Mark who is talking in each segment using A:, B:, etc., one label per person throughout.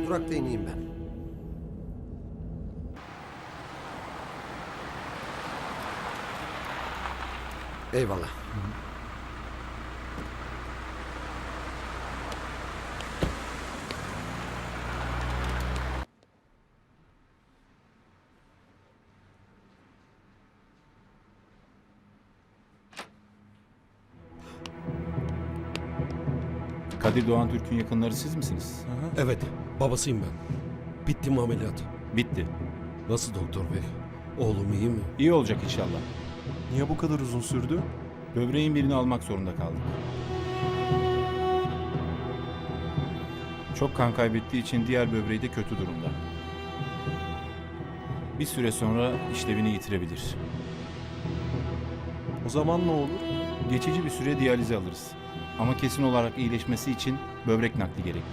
A: durakta ineyim ben. Eyvallah.
B: Kadir Doğan Türk'ün yakınları siz misiniz?
C: Evet, babasıyım ben. Bitti mi ameliyat?
B: Bitti.
C: Nasıl doktor bey? Oğlum iyi mi?
B: İyi olacak inşallah.
D: Niye bu kadar uzun sürdü?
B: Böbreğin birini almak zorunda kaldık. Çok kan kaybettiği için diğer böbreği de kötü durumda. Bir süre sonra işlevini yitirebilir.
D: O zaman ne olur?
B: Geçici bir süre diyalize alırız. Ama kesin olarak iyileşmesi için böbrek nakli gerekli.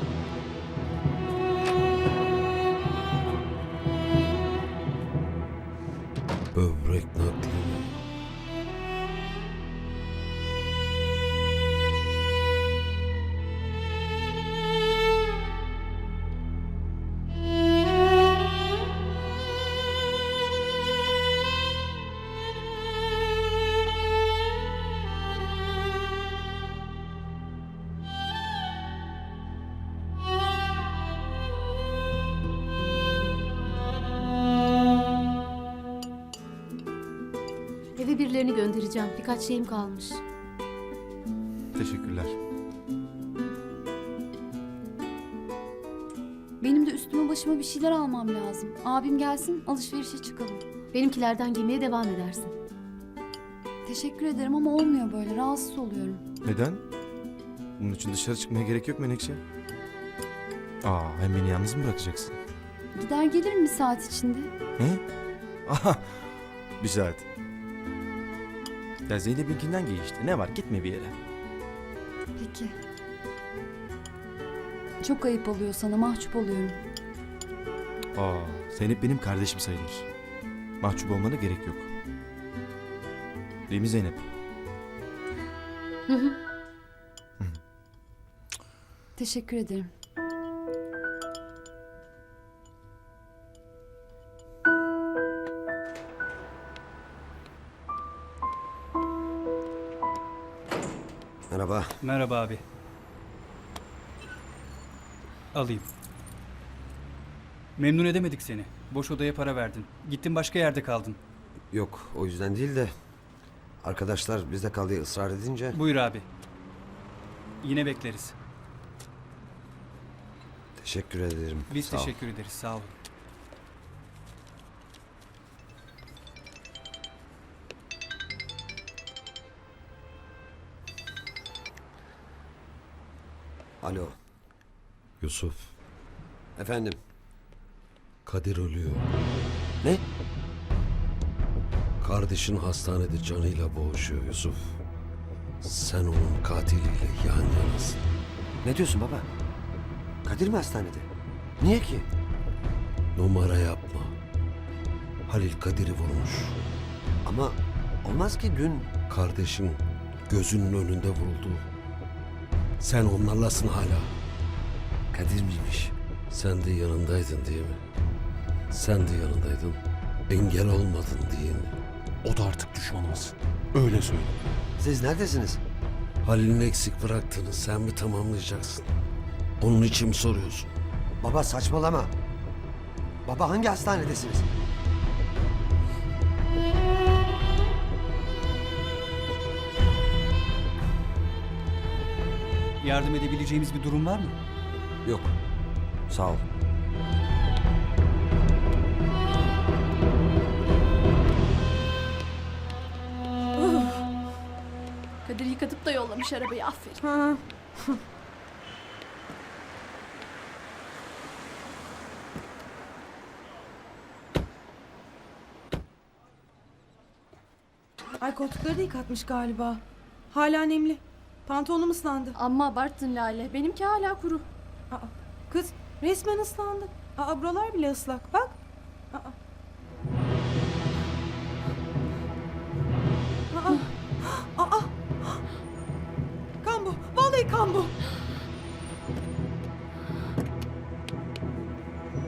C: Böbrek nakli mi?
E: Eve birilerini göndereceğim. Birkaç şeyim kalmış.
D: Teşekkürler.
F: Benim de üstüme başıma bir şeyler almam lazım. Abim gelsin, alışverişe çıkalım.
E: Benimkilerden giymeye devam edersin.
F: Teşekkür ederim ama olmuyor böyle. Rahatsız oluyorum.
D: Neden? Bunun için dışarı çıkmaya gerek yok Menekşe. Hem beni yalnız mı bırakacaksın?
F: Gider gelirim bir saat içinde.
D: He? Aha, bir saat. Ya Zeynep'inkinden giy işte. Ne var? Gitme bir yere.
F: Peki. Çok ayıp oluyor sana, mahcup oluyorum.
D: Zeynep benim kardeşim sayılır. Mahcup olmana gerek yok. Değil mi Zeynep?
E: Hı hı.
F: Teşekkür ederim.
A: Merhaba.
G: Merhaba abi. Alayım. Memnun edemedik seni. Boş odaya para verdin. Gittin başka yerde kaldın.
A: Yok, o yüzden değil de arkadaşlar bizde kal diye ısrar edince
G: Buyur abi. Yine bekleriz.
A: teşekkür ederim.
G: Biz
A: Sağ ol.
G: teşekkür ederiz. Sağ olun.
A: Alo.
C: Yusuf,
A: Efendim.
C: Kadir ölüyor.
A: Ne?
C: Kardeşin hastanede canıyla boğuşuyor Yusuf. Sen onun katiliyle yan yanasın.
A: Ne diyorsun baba? Kadir mi hastanede? Niye ki?
C: Numara yapma. Halil Kadir'i vurmuş.
A: Ama olmaz ki dün...
C: Kardeşin gözünün önünde vuruldu. Sen onlarlasın hala.
A: Kadir miymiş?
C: Sen de yanındaydın değil mi? Sen de yanındaydın. Engel olmadın değil mi?
D: O da artık düşmanımız. Öyle söyle.
A: Siz neredesiniz?
C: Halil'in eksik bıraktığını sen mi tamamlayacaksın? Onun için mi soruyorsun?
A: Baba saçmalama. Baba hangi hastanedesiniz?
G: Yardım edebileceğimiz bir durum var mı?
A: Yok. Sağ ol.
H: Kadir yıkatıp da yollamış arabayı, aferin.
I: Ay koltukları da yıkatmış galiba. Hala nemli. Pantolonum ıslandı.
H: Amma abarttın Lale, benimki hala kuru.
I: Aa, kız resmen ıslandı. Buralar bile ıslak bak. Aa. Aa. Kan bu. Vallahi kan bu.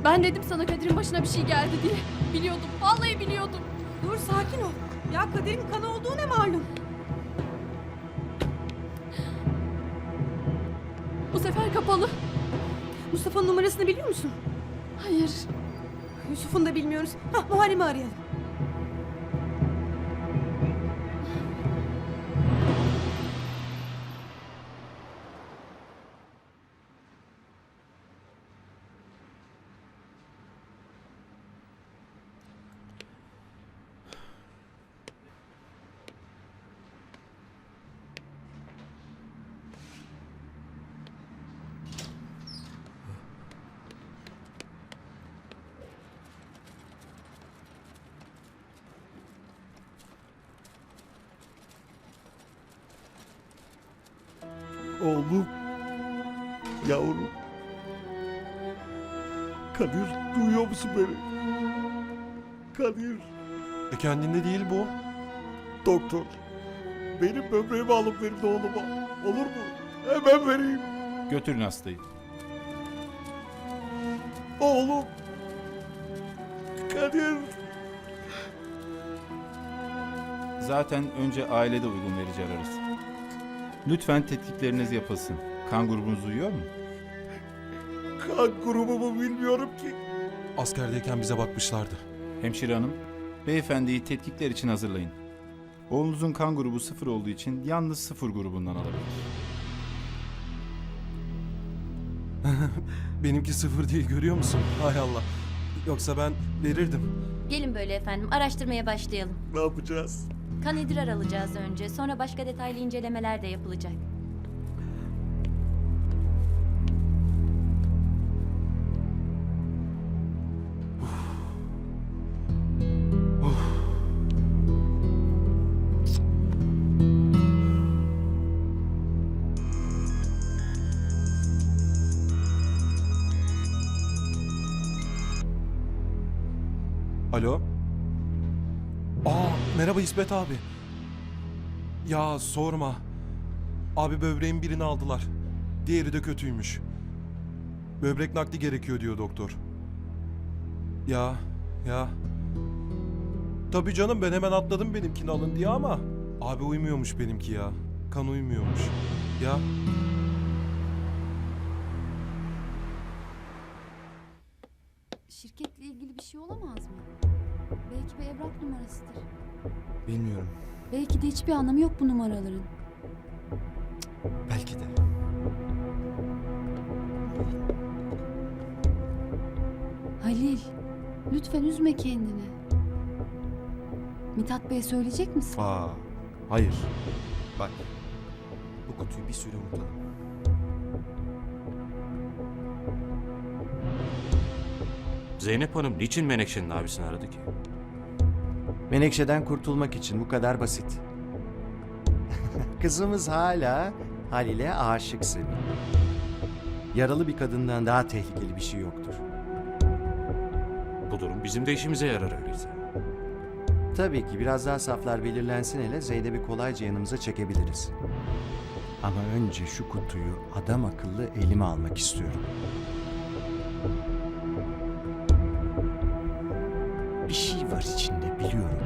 H: Ben dedim sana Kadir'in başına bir şey geldi diye. Biliyordum. Vallahi biliyordum.
I: Dur sakin ol. Ya Kadir'in kanı olduğu ne malum?
H: Bu sefer kapalı.
I: Mustafa'nın numarasını biliyor musun?
H: Hayır.
I: Yusuf'un da bilmiyoruz. Muharrem'i arayalım.
J: Oğlum. Yavrum. Kadir duyuyor musun beni? Kadir.
D: Kendinde değil bu.
J: Doktor. Benim böbreğimi alıp verin oğluma. Olur mu? Hemen vereyim.
B: Götürün hastayı.
J: Oğlum. Kadir.
B: Zaten önce ailede uygun verici ararız. Lütfen tetkikleriniz yapılsın. Kan grubunuz uyuyor mu?
J: Kan grubumu bilmiyorum ki.
D: Askerdeyken bize bakmışlardı.
B: Hemşire hanım, beyefendiyi tetkikler için hazırlayın. Oğlunuzun kan grubu 0 olduğu için yalnız 0 grubundan alabilir.
D: Benimki 0 değil, görüyor musun? Hay Allah. Yoksa ben verirdim.
K: Gelin böyle efendim, araştırmaya başlayalım.
J: Ne yapacağız?
K: Kan idrar alacağız önce, sonra başka detaylı incelemeler de yapılacak.
D: Alo? Merhaba İsmet abi. Ya sorma. Abi böbreğin birini aldılar. Diğeri de kötüymüş. Böbrek nakli gerekiyor diyor doktor. Ya. Tabii canım, ben hemen atladım benimkini alın diye ama abi uymuyormuş benimki ya. Kan uymuyormuş. Ya.
F: Şirketle ilgili bir şey olamaz mı? Belki bir evrak numarasıdır.
D: Bilmiyorum.
F: Belki de hiçbir anlamı yok bu numaraların.
D: Belki de.
F: Halil, lütfen üzme kendini. Mithat Bey'e söyleyecek misin?
D: Hayır. Bak. Bu kutuyu bir süre unutalım.
L: Zeynep Hanım niçin Menekşe'nin abisini aradı ki?
M: Menekşe'den kurtulmak için, bu kadar basit. Kızımız hala Halil'e aşık Semih. Yaralı bir kadından daha tehlikeli bir şey yoktur.
L: Bu durum bizim de işimize yarar öyleyse.
M: Tabii ki biraz daha saflar belirlensin, hele Zeynep'i kolayca yanımıza çekebiliriz. Ama önce şu kutuyu adam akıllı elime almak istiyorum. Bir şey var içinde, biliyorum.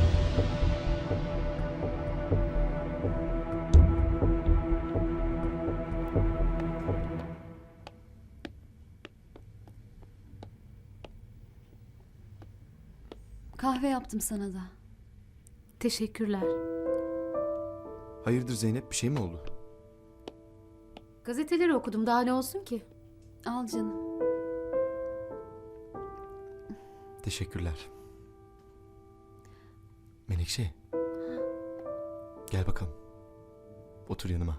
F: Kahve yaptım sana da.
E: Teşekkürler.
D: Hayırdır Zeynep, bir şey mi oldu?
E: Gazeteleri okudum, daha ne olsun ki?
F: Al canım.
D: Teşekkürler. Menekşe. Gel bakalım. Otur yanıma.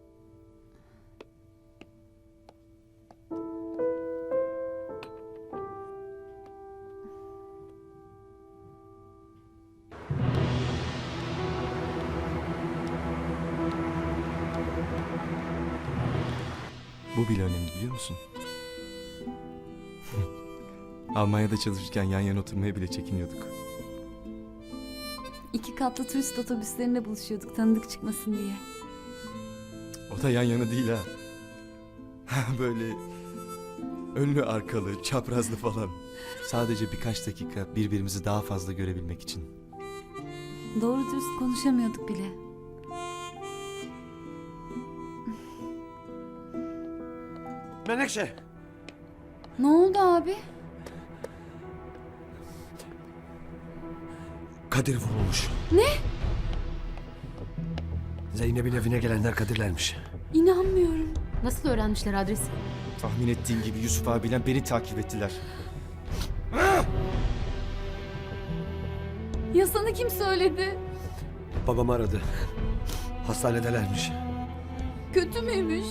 D: Bu bile önemli, biliyor musun? Almanya'da çalışırken yan yana oturmaya bile çekiniyorduk.
F: 2 katlı turist otobüslerinde buluşuyorduk tanıdık çıkmasın diye.
D: O da yan yana değil ha. Böyle
N: Önlü arkalı, çaprazlı falan. Sadece birkaç dakika birbirimizi daha fazla görebilmek için.
F: Doğru dürüst konuşamıyorduk bile.
A: Menekşe!
F: Ne oldu abi?
A: Kadir vurulmuş.
F: Ne?
A: Zeynep'in evine gelenler Kadirlermiş.
F: İnanmıyorum.
E: Nasıl öğrenmişler adresi?
N: Tahmin ettiğim gibi Yusuf abiyle beni takip ettiler.
F: Ya sana kim söyledi?
A: Babam aradı. Hastanedelermiş.
F: Kötü müymüş?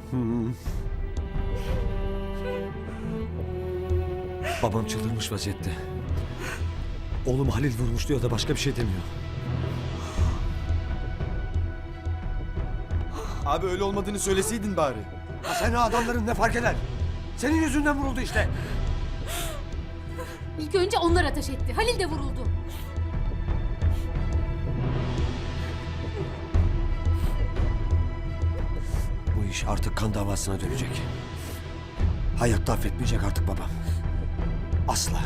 A: Babam çıldırmış vaziyette. Oğlum Halil vurmuş diyor da başka bir şey demiyor.
N: Abi öyle olmadığını söyleseydin bari.
A: Ha sen adamların ne fark eder? Senin yüzünden vuruldu işte.
E: İlk önce onlar ateş etti. Halil de vuruldu.
A: Bu iş artık kan davasına dönecek. Hayatta affetmeyecek artık babam. Asla.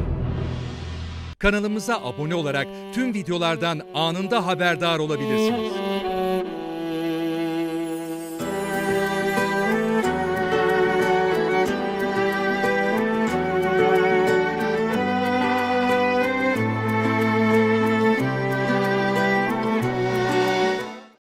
O: Kanalımıza abone olarak tüm videolardan anında haberdar olabilirsiniz.